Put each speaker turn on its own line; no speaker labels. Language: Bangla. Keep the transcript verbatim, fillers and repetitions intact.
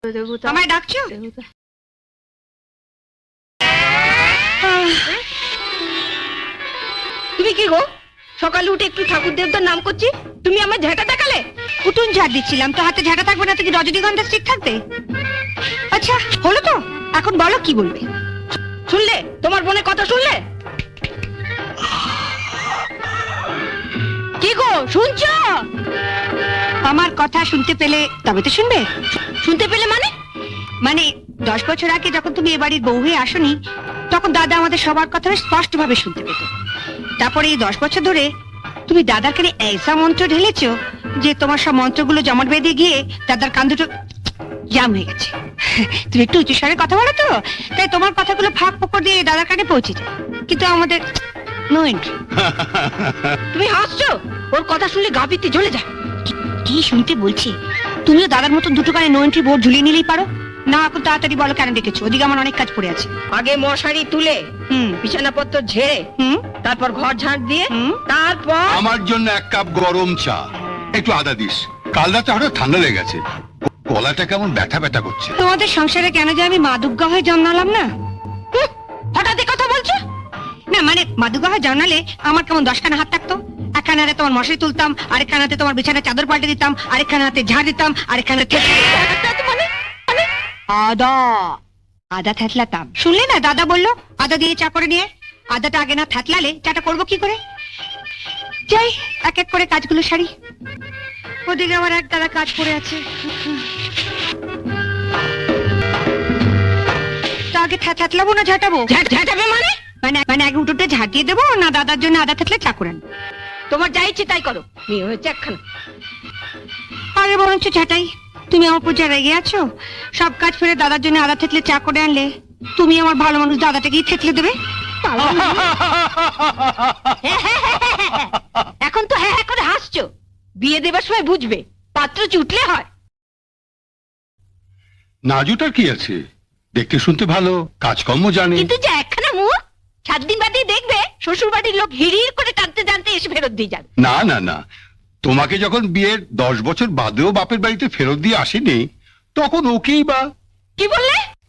আমায় ডাকছো?
তুমি কি গো সকালে উঠে একটু ঠাকুর দেবতার নাম করছি, তুমি আমার ঝাঁটা দেখালে?
উঠুন ঝাড় দিচ্ছিলাম তো, হাতে ঝাঁটা থাকবে না তো কি রজনীগন্ধা স্টিক থাকবে? আচ্ছা হলো তো, এখন বলো কি বলবে।
শুনলে তোমার বোনের কথা শুনলে? কি গো শুনছো?
আমার কথা শুনতে পেলে তবে তো শুনবে।
শুনতে পেলে মানে?
মানে দশ বছর আগে যখন তুমি এ বাড়ির বউ হয়ে আসনি, তখন দাদা আমাদের সবার কথা স্পষ্ট ভাবে শুনতে পেত। তারপরে এই দশ বছর ধরে তুমি দাদার কানে ऐसा মন্ত্র ঢেলেছো যে তোমার সব মন্ত্রগুলো জমাট বেঁধে গিয়ে দাদার কান দুটো জাম হয়ে গেছে। তুমি একটু উঁচু স্বরে কথা বলো তো, তাই তোমার কথাগুলো ফাঁক ফোকর দিয়ে দাদার কানে পৌঁছে যায়, কিন্তু আমাদের নো এন্ট্রি।
তুমি হাসছো? ওর কথা শুনলে গা পিত্তে জ্বলে যায়।
কি শুনতে বলছি? তুমিও দাদার মতন দুটো কানে নো এন্ট্রি বোর্ড ঝুলিয়ে নিলেই পারো না। এখন তাড়াতাড়ি বলো কেন ডেকেছো? ওদিকে আমার অনেক কাজ পড়ে আছে।
আগে মশারি তুলে
হুম
বিছানাপত্র ঝেড়ে
হুম
তারপর ঘর ঝাঁট দিয়ে
হুম
তারপর
আমার জন্য এক কাপ গরম চা, একটু আদা দিস। কাল রাতে হঠাৎ ঠান্ডা লেগে গেছে, গলাটা কেমন ব্যথা ব্যথা করছে।
তোমাদের সংসারে কেন যে আমি মাদুগ্গা হয়ে জন্মালাম না?
হুঁ, হঠাৎ এ কথা বলছো?
না মানে মাদুগ্গা হয়ে জন্মালে আমার কেমন দশখানা হাত থাকতো। একখানা হাতে তোমার মশারি তুলতাম, আরেকখানা হাতে তোমার বিছানার চাদর পাল্টে দিতাম, আরেকখানা হাতে ঝাড় দিতাম, আরেকখানা হাতে
মানে মানে
আদা আদা থ্যাতলাতাম। শুনলে না দাদা বললো আদা দিয়ে চা করে নিয়ে। আদাটা আগে না থ্যাতলালে চাটা করবো কি করে? যাই এক এক করে কাজগুলো সারি। ওদিকে আমার এক দাদা কাজ পড়ে আছে। তো আগে থ্যা- থ্যাতলাবো না ঝাঁটাবো?
ঝাঁট ঝাঁটাবে মানে?
মানে মানে আগে উঠোতে ঝাঁট দিয়ে দেবো না দাদার জন্য আদা থাকলে চা করেন?
তোমার যা ইচ্ছে তাই করো, মেয়ে হয়েছে একখানা।
আরে বরঞ্চ ঝাঁটাই। তুমি আমার উপর যা রেগে আছো, সব কাজ ফেলে দাদার জন্য আদা থেতলে চা করে আনলে তুমি আমার ভালো মানুষ দাদাটাকেই থেতলে দেবে।
এখন তো হ্যাঁ হ্যাঁ করে হাসছো, বিয়ে দেবার সময় বুঝবে পাত্র চুটলে হয়।
নাজুটার কি আছে, দেখতে শুনতে ভালো, কাজকর্ম জানে।
কিন্তু যে একখানা মুখ, সাত দিন বাদে দেখবে শ্বশুর বাড়ির লোক হিড়ির করে টানতে টানতে এসে ফেরত দিয়ে যাবে।
না না না, তোমাকে যখন বিয়ের দশ বছর বাদেও বাপের বাড়িতে ফেরত দিয়ে আসেনি, তখন ওকেই বা।
কি বললে?